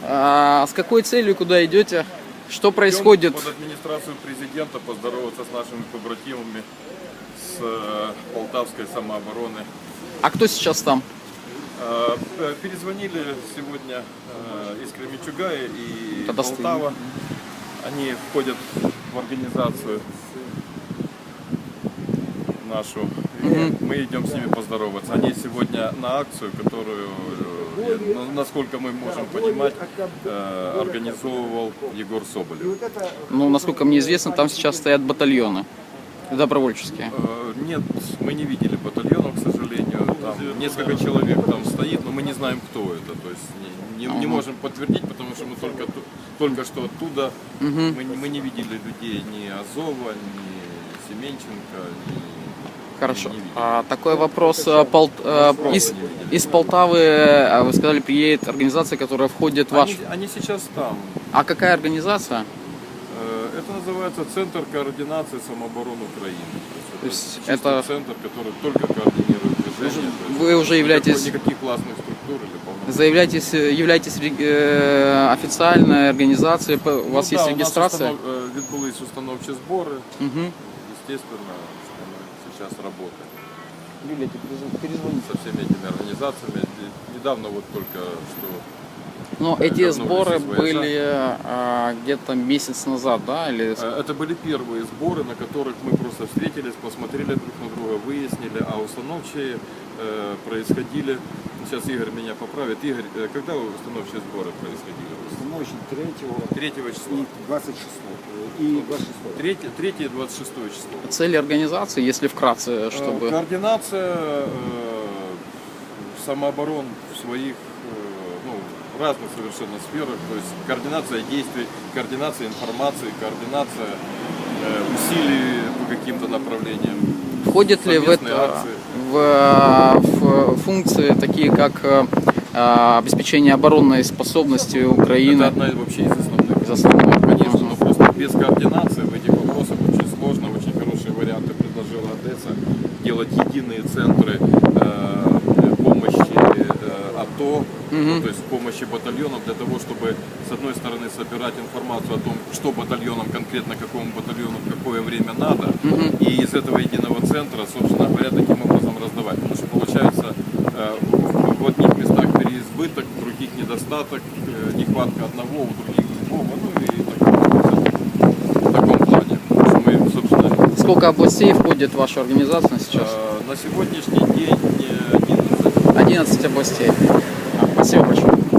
С какой целью, куда идете? Что происходит? Под администрацию президента поздороваться с нашими побратимами с полтавской самообороны. А кто сейчас там? Перезвонили сегодня из Кременчуга и Тогда Полтава. Они входят в организацию нашу. И мы идем с ними поздороваться. Они сегодня на акцию, которую, насколько мы можем понимать, организовывал Егор Соболев. Ну, насколько мне известно, там сейчас стоят батальоны добровольческие. Нет, мы не видели батальонов, к сожалению. Там несколько человек там стоит, но мы не знаем, кто это. То есть не можем подтвердить, потому что мы только что оттуда. Мы не видели людей ни Азова, ни Семенченко, ни... Хорошо. Такой вопрос. Из Полтавы, вы сказали, приедет организация, которая входит в ваш... Они сейчас там. А какая организация? Это называется Центр координации самообороны Украины. То есть это центр, который только координирует движение. Вы уже являетесь... Никаких классных структур или являетесь официальной организацией, у вас есть регистрация? Відбулись установчі збори. Естественно, что мы сейчас работаем. Юлия, перезвоните. Со всеми этими организациями. Недавно вот только что... Но эти сборы были где-то месяц назад, да? Или... Это были первые сборы, на которых мы просто встретились, посмотрели друг на друга, выяснили, а установчие происходили... Сейчас Игорь меня поправит. Игорь, когда установчие сборы происходили? Установочные 3 числа. И 26. И 26. 3 и 26 число. Цели организации, если вкратце, чтобы... Координация самооборон в своих разных совершенно сферах, то есть координация действий, координация информации, координация усилий по каким-то направлениям. Входит ли в функции такие, как обеспечение оборонной способности Украины? Это одна вообще из основных. Конечно, но просто без координации в этих вопросах очень сложно. Очень хорошие варианты предложила Одесса. Делать единые центры помощи АТО, то есть помощи батальонам, для того, чтобы с одной стороны собирать информацию о том, что батальонам, конкретно какому батальону в какое время надо, и из этого единого центра, собственно говоря, таким образом раздавать. Потому что получается в одних местах переизбыток, в других недостаток, нехватка одного, у других другого, в таком плане. Мы, собственно, сколько областей входит в вашу организацию сейчас? На сегодняшний день 11 областей. Спасибо большое.